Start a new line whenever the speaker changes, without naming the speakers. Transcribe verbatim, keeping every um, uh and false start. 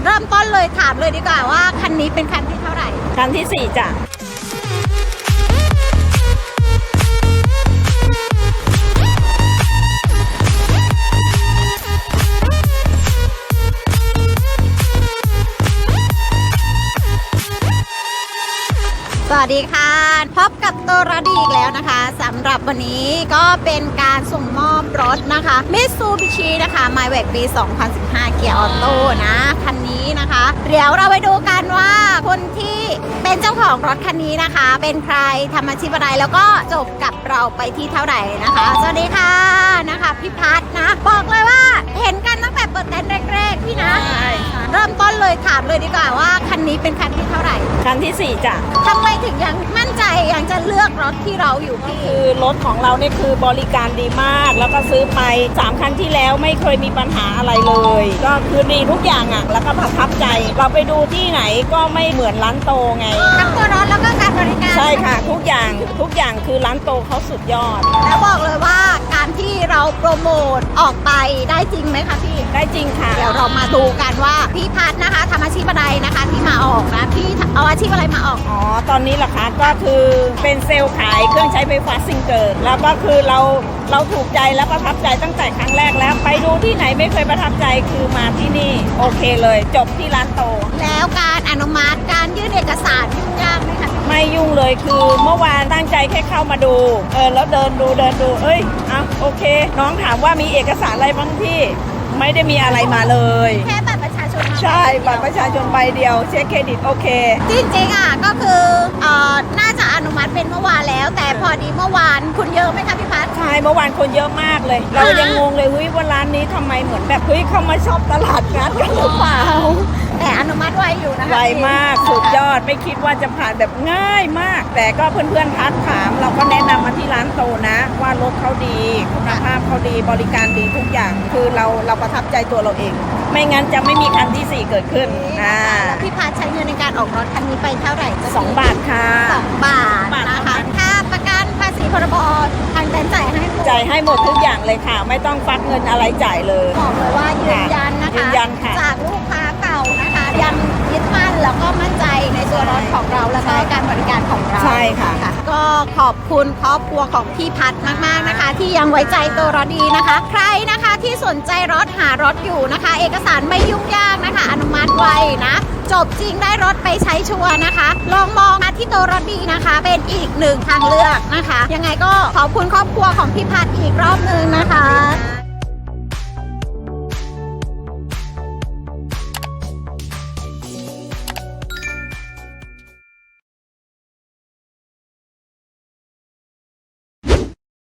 เริ่มต้นเลยถามเลยดีกว่าว่าคันนี้เป็นคันที่เท่าไหร่
คันที่สี่จ้ะ
สวัสดีค่ะพบกับตัวรดีอีกแล้วนะคะสำหรับวันนี้ก็เป็นการส่งมอบรถนะคะ Mitsubishi นะคะ Maverick ปี สองพันสิบห้า เกียร์ออโต้นะคันนี้นะคะเดี๋ยวเราไปดูกันว่าคนที่เป็นเจ้าของรถคันนี้นะคะเป็นใครทำอาชีพอะไรแล้วก็จบกับเราไปที่เท่าไหร่นะคะสวัสดีค่ะนะคะพี่พัฒน์นะบอกเลยว่าเห็นกันตั้งแต่เปิดเต็นท์แรกๆพี่นะเริ่มต้นเลยถามเลยดีกว่าว่าคันนี้เป็นคันที่เท่าไหร่
คันที่สี่จ้ะ
ทำไมถึงยังมั่นใจยังจะเลือกรถที่เราอยู่พี่
คือรถของเราเนี่ยคือบริการดีมากแล้วก็ซื้อไปสามคันที่แล้วไม่เคยมีปัญหาอะไรเลยก็คือดีทุกอย่างอ่ะแล้วก็ประทับใจเราไปดูที่ไหนก็ไม่เหมือนร้านโตไง
ทั้งตัวรถแล้วก็การบริการ
ใช่ค่ะทุกอย่างทุกอย่างคือร้านโตเขาสุดยอด
แล้วบอกเลยว่าการที่เราโปรโมทออกไปได้จริงไหมคะพี่
ได้จริงค่ะ
เดี๋ยวเรามาดูกันว่าพี่พัฒน์นะคะทำอาชีพอะไรนะคะที่มาออกนะพี่เอาอาชีพอะไรมาออก
อ๋อตอนนี้เหรอคะก็คือเป็นเซลล์ขายเครื่องใช้ไฟฟ้าซิงเกิลแล้วก็คือเราเราถูกใจแล้วประทับใจตั้งแต่ครั้งแรกแล้วไปดูที่ไหนไม่เคยประทับใจคือมาที่นี่โอเคเลยจบที่ร้านโต
แล้วการอนุมัติการยื่นเอกสารยุ่งยากไหมคะ
ไม่ยุ่งเลยคือเมื่อวานตั้งใจแค่เข้ามาดูเออแล้วเดินดูเดินดูเอ้ยอ่ะโอเคน้องถามว่ามีเอกสารอะไรบ้างพี่ไม่ได้มีอะไรมาเลย
แค่บัตรประชาชน
ใช่บัตรประชาชนใบเดียวเช็คเครดิตโอเค
จริงๆอ่ะก็คือเอ่อน่าจะอนุมัติเป็นเมื่อวานแล้วแต่พอดีเมื่อวานคุณเยอะไหมคะพี่พัฒน์
ใช่เมื่อวานคนเยอะมากเลยเรายังงงเลยเฮ้ยว่าร้านนี้ทำไมเหมือนแบบเฮ้ยเข้ามาชอบตลาดนัดกันหรือเปล่า
แต่อนุมัติไวอยู่นะคะ
ไวมากสุดยอดไม่คิดว่าจะผ่านแบบง่ายมากแต่ก็เพื่อนๆทักถามเราก็แนะนำมาที่ร้านโตนะว่ารถเขาดีคุณภาพเขาดีบริการดีทุกอย่างคือเราเราประทับใจตัวเราเองไม่งั้นจะไม่มีคันที่สี่เกิดขึ้นอ่า
พี่พัฒน์ใช้เงินในการออกรถคันนี้ไปเท่าไหร่
สองบาทค่ะ
สองบาทนะคะค่าประกันภาษีพรบทางเต็นท์จ่ายให้
จ่ายให้หมดทุกอย่างเลยค่ะไม่ต้องฟักเงินอะไรจ่ายเลย
บอกเลยว่ายืนยันนะคะ
ยืนยันค่ะ
จากลูกค้าเก่านะคะยังยึดมั่นแล้วก็มั่นใจในตัวรถของเราแล้วก็การบริการของเรา
ใช่ค่ะ
ก็ขอบคุณครอบครัวของพี่พัฒน์มากๆนะคะที่ยังไว้ใจตัวรถดีนะคะใครนะคะที่สนใจรถหารถอยู่นะคะเอกสารไม่ยุ่งยากนะคะอนุมัติไวนะจบจริงได้รถไปใช้ชัวร์นะคะลองมองมาที่ตัวรถดีนะคะเป็นอีกหนึ่งทางเลือกนะคะยังไงก็ขอบคุณครอบครัวของพี่พัฒน์อีกรอบนึงนะคะ